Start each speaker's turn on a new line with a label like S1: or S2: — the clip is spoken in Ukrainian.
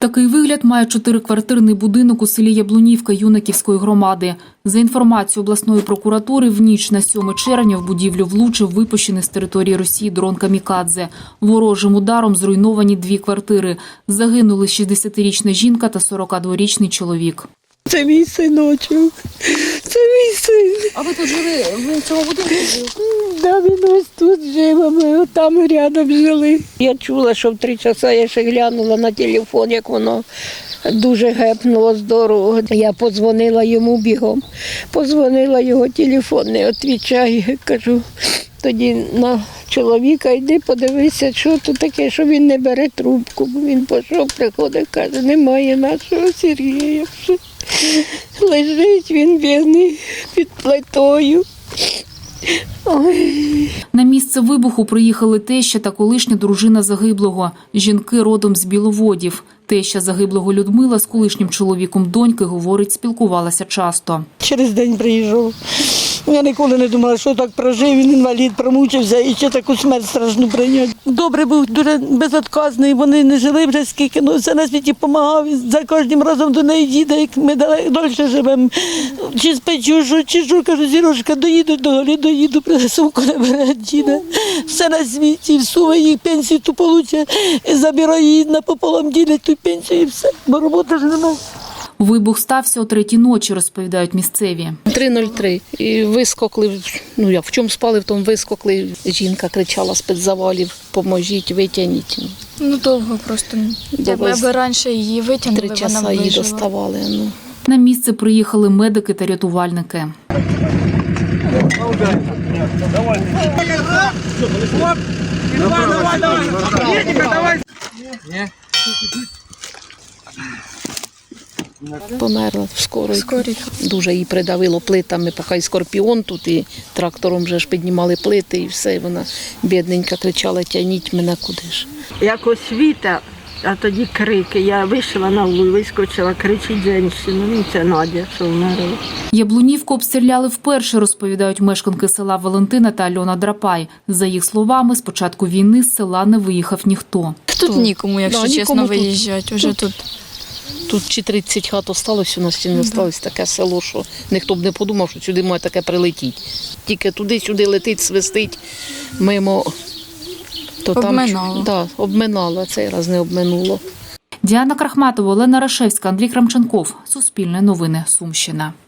S1: Такий вигляд має 4-квартирний будинок у селі Яблунівка Юнаківської громади. За інформацією обласної прокуратури, в ніч на 7 червня в будівлю влучив випущений з території Росії дрон «Камікадзе». Ворожим ударом зруйновані 2 квартири. Загинули 60-річна жінка та 42-річний чоловік.
S2: Це мій синочок, це мій син.
S3: А ви тут жили, ви в цьому будинку жили?
S2: Да, він ось тут жив, а ми там рядом жили. Я чула, що в 3 часа я ще глянула на телефон, як воно дуже гепнуло здорово. Я подзвонила йому бігом, подзвонила його телефон, не відповідає. Кажу, тоді на чоловіка йди, подивися, що тут таке, що він не бере трубку. Він пішов, приходить, каже, немає нашого Сергія. Лежить він бідний під плитою. Ой.
S1: На місце вибуху приїхали теща та колишня дружина загиблого. Жінки родом з Біловодів. Теща загиблого Людмила з колишнім чоловіком доньки, говорить, спілкувалася часто.
S2: Через день приїжджав. Я ніколи не думала, що так прожив, він інвалід, промучився і ще таку смерть страшну прийняв. Добре був, дуже безотказний, вони не жили вже скільки, все на світі допомагав, за кожним разом до неї їде, як ми далі живемо. Чи спечу, чи що, кажу, Зірошка, доїду до Голі, доїду, сумку не бере, діда. Все на світі, всуває їх пенсію ту получає, забирає її напополам, ділять ту пенсію і все, бо роботи ж немає.
S1: Вибух стався о 3-й ночі, розповідають місцеві.
S3: 3:03. І вискокли, в чому спали, в тому вискокли. Жінка кричала з-під завалів, поможіть, витягніть.
S4: Довго просто. Аби раніше її витягнули,
S3: 3
S4: вона
S3: часа її
S4: вижила.
S3: доставали.
S1: На місце приїхали медики та рятувальники.
S3: Померла скорий. Дуже її придавило плитами, поки і скорпіон тут, і трактором вже ж піднімали плити, і все. Вона бідненька кричала, тягніть мене куди ж.
S2: Як освіта, а тоді крики. Я вийшла на вулицю, вискочила, кричить жінка, це Надя, що вмерла.
S1: Яблунівку обстріляли вперше, розповідають мешканки села Валентина та Альона Драпай. За їх словами, з початку війни з села не виїхав ніхто.
S4: Тут нікому, якщо чесно,
S3: нікому
S4: виїжджати. Уже тут.
S3: Тут чи 30 хат осталось, у нас чи не осталось таке село, що ніхто б не подумав, що сюди має таке прилетіти. Тільки туди-сюди летить, свистить мимо. То
S4: Обминало.
S3: Там, обминало, а цей раз не обминуло.
S1: Діана Крахматова, Олена Рашевська, Андрій Крамченков. Суспільне новини. Сумщина.